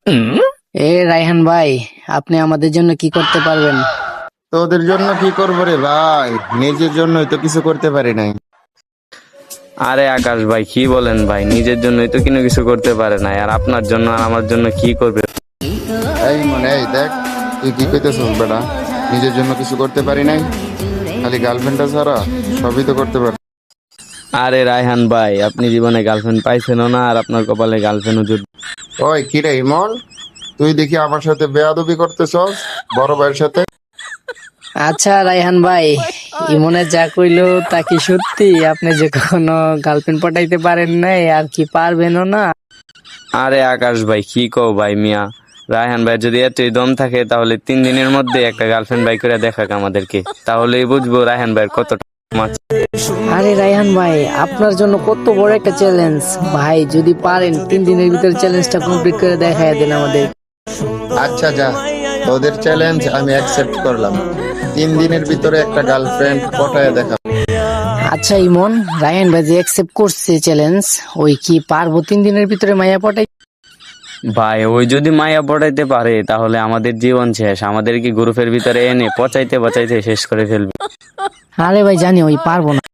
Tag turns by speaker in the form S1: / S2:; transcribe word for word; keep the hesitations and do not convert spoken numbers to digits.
S1: এ রায়হান ভাই, আপনি আমাদের জন্য কি করতে পারবেন?
S2: তোদের জন্য কি করবো রে ভাই, নিজের জন্যই তো কিছু করতে পারি নাই।
S3: আরে আকাশ ভাই, কি বলেন ভাই? নিজের জন্যই তো কোনো কিছু করতে পারে না, আর আপনার জন্য আর আমার জন্য কি করবে?
S2: এই মনে এই দেখ, তুই কি কইতেছিস বেটা? নিজের জন্য কিছু করতে পারি নাই, খালি গার্লফ্রেন্ডটা ছাড়া সবই তো করতে পারি।
S3: আরে রায়হান ভাই, আপনি জীবনে গার্লফ্রেন্ড পাইছেনও না, আর আপনার কপালে গার্লফ্রেন্ডও জুট।
S2: ওই কি রে ইমন, তুই দেখি আমার সাথে বেয়াদবি করতেছস বড় ভাইয়ের সাথে।
S1: আচ্ছা রায়হান ভাই, ইমনে যা কইলো তা কি সত্যি? আপনি যে কখনো গার্লফ্রেন্ড পটাইতে পারেন নাই, আর কি পারবেনও না?
S3: আরে আকাশ ভাই, কি কও ভাই মিয়া? রায়হান ভাই যদি এতই দম থাকে, তাহলে তিন দিনের মধ্যে একটা গার্লফ্রেন্ড বাই করে দেখাক আমাদেরকে, তাহলেই বুঝবো রায়হান ভাইয়ের কতটা মাছ।
S1: আরে রায়হান ভাই, আপনার জন্য কত বড় একটা চ্যালেঞ্জ ভাই! যদি পারেন তিন দিনের ভিতরে চ্যালেঞ্জটা কমপ্লিট করে দেখায় দেন আমাদের।
S2: আচ্ছা যা, তোদের চ্যালেঞ্জ আমি অ্যাকসেপ্ট করলাম। তিন দিনের ভিতরে একটা গার্লফ্রেন্ড পটায় দেখা।
S1: আচ্ছা ইমন, রায়হান ভাই যে অ্যাকসেপ্ট করছে চ্যালেঞ্জ, ওই কি পারবো তিন দিনের ভিতরে মাইয়া পটাই?
S3: ভাই ওই যদি মায়া পড়াইতে পারে, তাহলে আমাদের জীবন শেষ, আমাদের কি গ্রুপের ভিতরে এনে পচাইতে পচাইতে শেষ করে ফেলবে।
S1: আরে ভাই জানি ওই পারবো না।